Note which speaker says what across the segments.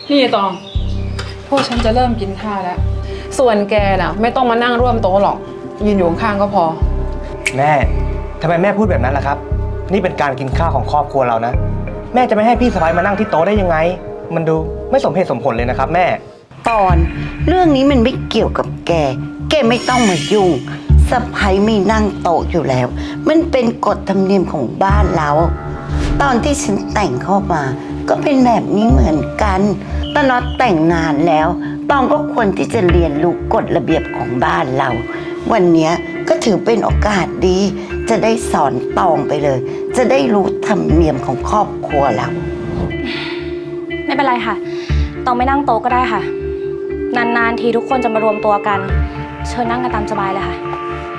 Speaker 1: นี่ตองพวกฉันจะเริ่มกินข้าวแล้ว ส่วนแกน่ะไม่ต้องมานั่งร่วมโต๊ะหรอกยืนอยู่ข้างๆก็พอ
Speaker 2: แม่ทำไมแม่พูดแบบนั้นล่ะครับนี่เป็นการกินข้าวของครอบครัวเรานะแม่จะไม่ให้พี่สะใภ้มานั่งที่โต๊ะได้ยังไงมันดูไม่สมเหตุสมผลเลยนะครับแม่
Speaker 3: ปอนเรื่องนี้มันไม่เกี่ยวกับแกไม่ต้องมายุ่งสะใภ้ไม่นั่งโต๊ะอยู่แล้วมันเป็นกฎธรรมเนียมของบ้านเราตอนที่ฉันแต่งเข้ามาก็เป็นแบบนี้เหมือนกันตอนน็อตแต่งงานแล้วตองก็ควรที่จะเรียนรู้กฎระเบียบของบ้านเราวันนี้ก็ถือเป็นโอกาสดีจะได้สอนตองไปเลยจะได้รู้ธรรมเนียมของครอบครัวเรา
Speaker 4: ไม่เป็นไรค่ะตองไม่นั่งโต๊ะก็ได้ค่ะนานๆทีทุกคนจะมารวมตัวกันเชิญนั่งกันตามสบายเลยค่ะ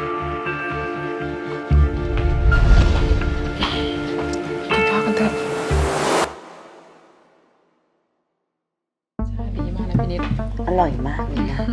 Speaker 1: กินข้าวกันเถอะใช่ดีมากนะพี่นิด
Speaker 3: อร่อยมากเลยนะ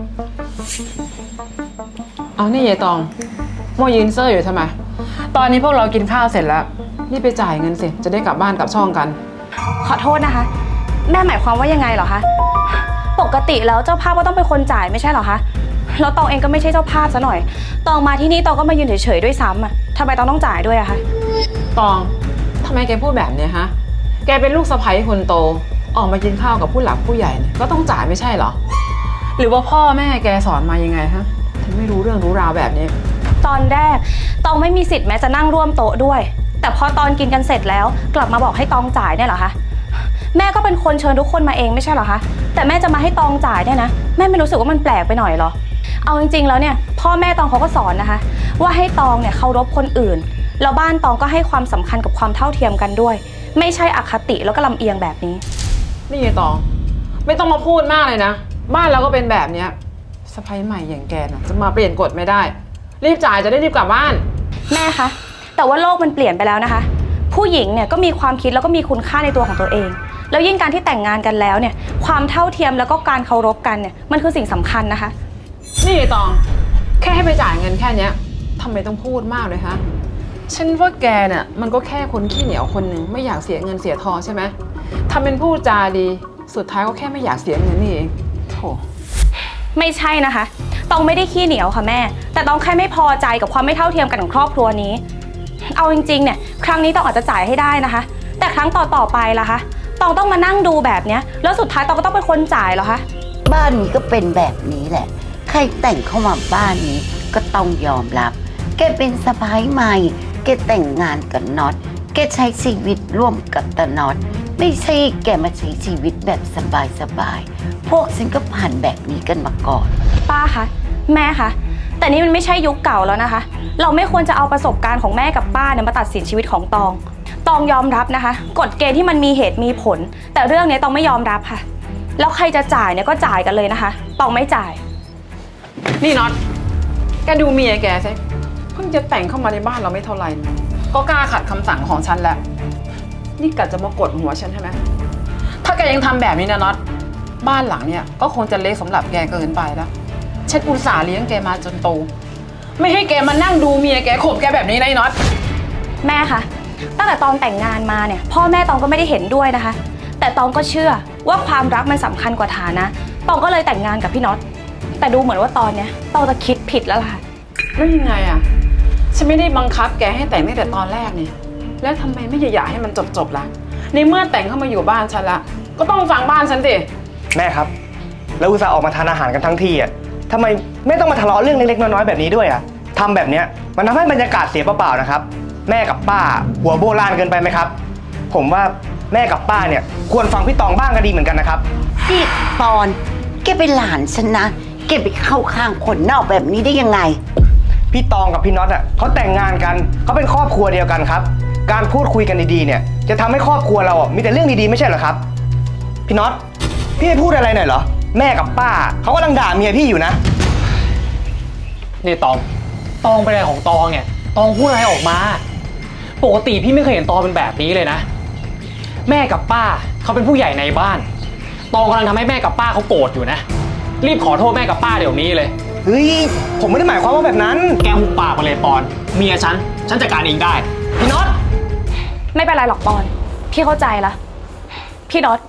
Speaker 1: เอานี่ยายตองโมยืนเซอร์อยู่ทำไมตอนนี้พวกเรากินข้าวเสร็จแล้วนี่ไปจ่ายเงินสิจะได้กลับบ้านกลับช่องกัน
Speaker 4: ขอโทษนะคะแม่หมายความว่ายังไงเหรอคะปกติแล้วเจ้าภาพก็ต้องเป็นคนจ่ายไม่ใช่เหรอคะแล้วตองเองก็ไม่ใช่เจ้าภาพซะหน่อยตองมาที่นี่ตองก็มายืนเฉยๆด้วยซ้ำอ่ะทำไมตองต้องจ่ายด้วยอะคะ
Speaker 1: ตองทำไมแกพูดแบบนี้ฮะแกเป็นลูกสะใภ้คนโตออกมากินข้าวกับผู้หลักผู้ใหญ่เนี่ยก็ต้องจ่ายไม่ใช่เหรอหรือว่าพ่อแม่แกสอนมายังไงฮะถึงไม่รู้เรื่องรู้ราวแบบนี้
Speaker 4: ตอนแรกตองไม่มีสิทธิ์แม้จะนั่งร่วมโต๊ะด้วยแต่พอตอนกินกันเสร็จแล้วกลับมาบอกให้ตองจ่ายเนี่ยเหรอคะแม่ก็เป็นคนเชิญทุกคนมาเองไม่ใช่เหรอคะแต่แม่จะมาให้ตองจ่ายเนี่ยนะแม่ไม่รู้สึกว่ามันแปลกไปหน่อยเหรอเอาจริงๆแล้วเนี่ยพ่อแม่ตองเขาก็สอนนะคะว่าให้ตองเนี่ยเคารพคนอื่นแล้วบ้านตองก็ให้ความสำคัญกับความเท่าเทียมกันด้วยไม่ใช่อคติแล้วก็ลำเอียงแบบนี้
Speaker 1: นี่ตองไม่ต้องมาพูดมากเลยนะบ้านเราก็เป็นแบบเนี้ยสะใภ้ใหม่อย่างแกน่ะจะมาเปลี่ยนกฎไม่ได้รีบจ่ายจะได้รีบกลับบ้าน
Speaker 4: แม่คะแต่ว่าโลกมันเปลี่ยนไปแล้วนะคะผู้หญิงเนี่ยก็มีความคิดแล้วก็มีคุณค่าในตัวของตัวเองแล้วยิ่งการที่แต่งงานกันแล้วเนี่ยความเท่าเทียมแล้วก็การเคารพกันเนี่ยมันคือสิ่งสำคัญนะคะ
Speaker 1: นี่ตองแค่ให้ไปจ่ายเงินแค่นี้ทำไมต้องพูดมากเลยฮะฉันว่าแกเนี่ยมันก็แค่คนขี้เหนียวคนหนึ่งไม่อยากเสียเงินเสียทองใช่ไหมทำเป็นพูดจาดีสุดท้ายก็แค่ไม่อยากเสียเงินนี่เองโธ่
Speaker 4: ไม่ใช่นะคะตองไม่ได้ขี้เหนียวค่ะแม่แต่ตองแค่ไม่พอใจกับความไม่เท่าเทียมกันของครอบครัวนี้เอาจริงๆเนี่ยครั้งนี้ตองอาจจะจ่ายให้ได้นะคะแต่ครั้งต่อไปล่ะคะตองต้องมานั่งดูแบบเนี้ยแล้วสุดท้ายตองก็ต้องเป็นคนจ่ายเหรอคะ
Speaker 3: บ้านนี้ก็เป็นแบบนี้แหละใครแต่งเข้ามาบ้านนี้ก็ต้องยอมรับแกเป็นสะใภ้ใหม่แกแต่งงานกับน็อตแกใช้ชีวิตร่วมกับตาน็อตไม่ใช่แกมาใช้ชีวิตแบบสบายๆพวกฉันก็ผ่านแบบนี้กันมาก่อน
Speaker 4: ป้าคะแม่คะแต่นี่มันไม่ใช่ยุคเก่าแล้วนะคะเราไม่ควรจะเอาประสบการณ์ของแม่กับป้าเนี่ยมาตัดสินชีวิตของตองยอมรับนะคะกฎเกณฑ์ที่มันมีเหตุมีผลแต่เรื่องนี้ตองไม่ยอมรับค่ะแล้วใครจะจ่ายเนี่ยก็จ่ายกันเลยนะคะตองไม่จ่าย
Speaker 1: นี่น็อตแกดูเมียแกสิเพิ่งจะแต่งเข้ามาในบ้านเราไม่เท่าไหร่ก็กล้าขัดคำสั่งของฉันแล้วนี่กะจะมากดหัวฉันใช่ไหมถ้าแกยังทำแบบนี้นะน็อตบ้านหลังเนี่ยก็คงจะเล็กสำหรับแกเกินไปแล้วฉันอุตส่าห์เลี้ยงแกมาจนโตไม่ให้แกมานั่งดูเมียแกข่มแกแบบนี้นะน็อต
Speaker 4: แม่คะตั้งแต่ตอนแต่งงานมาเนี่ยพ่อแม่ตองก็ไม่ได้เห็นด้วยนะคะแต่ตองก็เชื่อว่าความรักมันสำคัญกว่าฐานะตองก็เลยแต่งงานกับพี่น็อตแต่ดูเหมือนว่าตอนเนี้ยตองจะคิดผิดแล้วล่ะ
Speaker 1: แล้วยังไงอะฉันไม่ได้บังคับแกให้แต่งตั้งแต่ตอนแรกนี่แล้วทำไมไม่อยากให้มันจบล่ะในเมื่อแต่งเข้ามาอยู่บ้านฉันละก็ต้องฟังบ้านฉันสิ
Speaker 2: แม่ครับแล้วอุตส่าห์ออกมาทานอาหารกันทั้งทีอ่ะทำไมไม่ต้องมาทะเลาะเรื่องเล็กๆน้อยๆแบบนี้ด้วยอ่ะทำแบบเนี้ยมันทำให้บรรยากาศเสียเปล่าๆนะครับแม่กับป้าหัวโบราณเกินไปไหมครับผมว่าแม่กับป้าเนี่ยควรฟังพี่ตองบ้างก็ดีเหมือนกันนะครับ
Speaker 3: นี่ปอนแกเป็นหลานฉันนะแกไปเข้าข้างคนนอกแบบนี้ได้ยังไง
Speaker 2: พี่ตองกับพี่น็อตอ่ะเขาแต่งงานกันเขาเป็นครอบครัวเดียวกันครับการพูดคุยกันดีๆเนี่ยจะทำให้ครอบครัวเราอ่ะมีแต่เรื่องดีๆไม่ใช่เหรอครับพี่น็อตพี่ไม่พูดอะไรหน่อยเหรอแม่กับป้าเขากำลังด่าเมียพี่อยู่นะ
Speaker 5: นี่ตองเป็นอะไรของตองเนี่ยตองพูดอะไรออกมาปกติพี่ไม่เคยเห็นตองเป็นแบบนี้เลยนะแม่กับป้าเขาเป็นผู้ใหญ่ในบ้านตองกำลังทำให้แม่กับป้าเขาโกรธอยู่นะรีบขอโทษแม่กับป้าเดี๋ยวนี้เลย
Speaker 2: เฮ้ยผมไม่ได้หมายความว่าแบบนั้น
Speaker 5: แกหุบปากมาเลยปอนเมียฉันจัดการเองได้
Speaker 2: พี่น็อต
Speaker 4: ไม่เป็นไรหรอกปอนพี่เข้าใจละพี่น็อต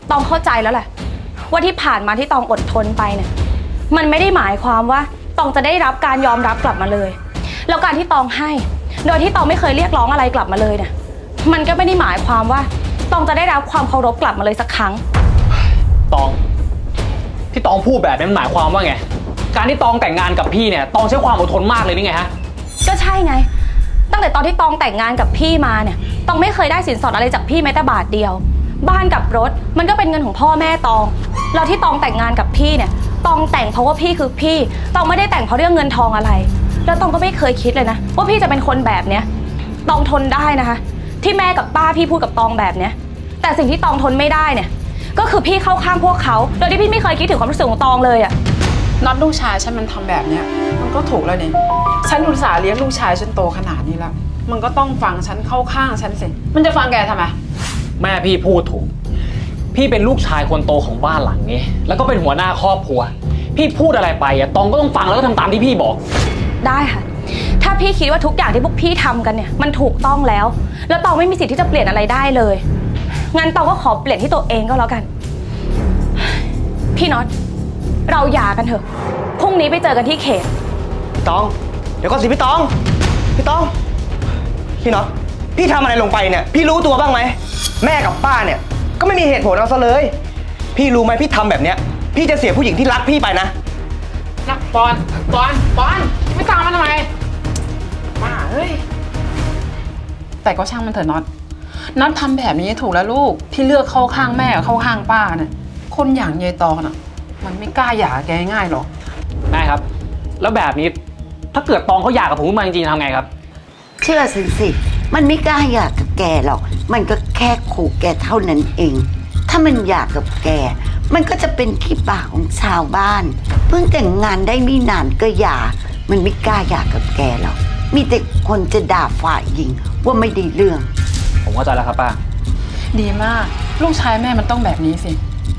Speaker 4: ตองเข้าใจแล้วแหละว่าที่ผ่านมาที่ตองอดทนไปเนี่ยมันไม่ได้หมายความว่าตองจะได้รับการยอมรับกลับมาเลยแล้วการที่ตองให้โดยที่ตองไม่เคยเรียกร้องอะไรกลับมาเลยเนี่ยมันก็ไม่ได้หมายความว่าตองจะได้รับความเคารพกลับมาเลยสักครั้ง
Speaker 5: ตองที่ตองพูดแบบนี้มันหมายความว่าไงการที่ตองแต่งงานกับพี่เนี่ยตองใช้ความอดทนมากเลยนี่ไงฮะ
Speaker 4: ก็ใช่ไงตั้งแต่ตอนที่ตองแต่งงานกับพี่มาเนี่ยตองไม่เคยได้สินสอดอะไรจากพี่แม้แต่บาทเดียวบ้านกับรถมันก็เป็นเงินของพ่อแม่ตองแล้วที่ตองแต่งงานกับพี่เนี่ยตองแต่งเพราะว่าพี่คือพี่ตองไม่ได้แต่งเพราะเรื่องเงินทองอะไรแล้วตองก็ไม่เคยคิดเลยนะว่าพี่จะเป็นคนแบบเนี้ยตองทนได้นะคะที่แม่กับป้าพี่พูดกับตองแบบเนี้ยแต่สิ่งที่ตองทนไม่ได้เนี่ยก็คือพี่เข้าข้างพวกเขาโดยที่พี่ไม่เคยคิดถึงความรู้สึกของตองเลยอะ
Speaker 1: น็อตลูกชายฉันมันทำแบบเนี้ยมันก็ถูกแล้วนี่ฉันอุตส่าห์เลี้ยงลูกชายฉันโตขนาดนี้แล้วมันก็ต้องฟังฉันเข้าข้างฉันสิมันจะฟังแกทำไม
Speaker 5: แม่พี่พูดถูกพี่เป็นลูกชายคนโตของบ้านหลังนี้แล้วก็เป็นหัวหน้าครอบครัวพี่พูดอะไรไปอะตองก็ต้องฟังแล้วก็ทำตามที่พี่บอก
Speaker 4: ได้ค่ะถ้าพี่คิดว่าทุกอย่างที่พวกพี่ทำกันเนี่ยมันถูกต้องแล้วตองไม่มีสิทธิ์ที่จะเปลี่ยนอะไรได้เลยงั้นตองก็ขอเปลี่ยนที่ตัวเองก็แล้วกันพี่น็อตเราหย่ากันเถอะพรุ่งนี้ไปเจอกันที่เขต
Speaker 2: ตอง เดี๋ยวก่อนสิพี่ตอง พี่ตอง พี่น็อต พี่ทำอะไรลงไปเนี่ย พี่รู้ตัวบ้างไหม แม่กับป้าเนี่ยก็ไม่มีเหตุผลเอาซะเลย พี่รู้ไหมพี่ทำแบบเนี้ย พี่จะเสียผู้หญิงที่รักพี่ไปนะ
Speaker 1: นะปอนไม่ตามมันทำไมมาเฮ้ยแต่ก็ช่างมันเถอะน็อตทำแบบนี้ถูกแล้วลูกที่เลือกเข้าข้างแม่เข้าข้างป้าเนี่ยคนอย่างยายตองน่ะมันไม่กล้าหย่าแกง่ายหรอก
Speaker 5: แม่ครับแล้วแบบนี้ถ้าเกิดตองเขาอยากกับผมขึ้นมาจริงๆทำไงครับ
Speaker 3: เชื่อสิ มันไม่กล้าอยากกับแกหรอก มันก็แค่ขู่แกเท่านั้นเอง ถ้ามันอยากกับแก มันก็จะเป็นขี้ปากของชาวบ้าน เพิ่งแต่งงานได้ไม่นานก็หย่า มันไม่กล้าอยากกับแกหรอก มีแต่คนจะด่าฝ่ายหญิงว่าไม่ได้เรื่อง
Speaker 5: ผมเข้าใจแล้วครับป้า
Speaker 1: ดีมากลูกชายแม่มันต้องแบบนี้สิ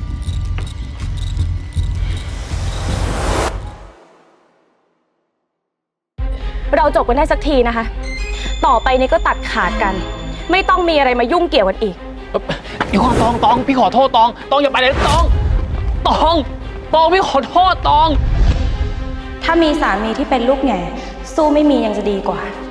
Speaker 4: เราจบกันได้สักทีนะคะต่อไปนี้ก็ตัดขาดกันไม่ต้องมีอะไรมายุ่งเกี่ยวกันอีก
Speaker 5: เดี๋ยวก่อนตองพี่ขอโทษตองอย่าไปเลยตองพี่ขอโทษตอง
Speaker 4: ถ้ามีสามีที่เป็นลูกแง่สู้ไม่มียังจะดีกว่า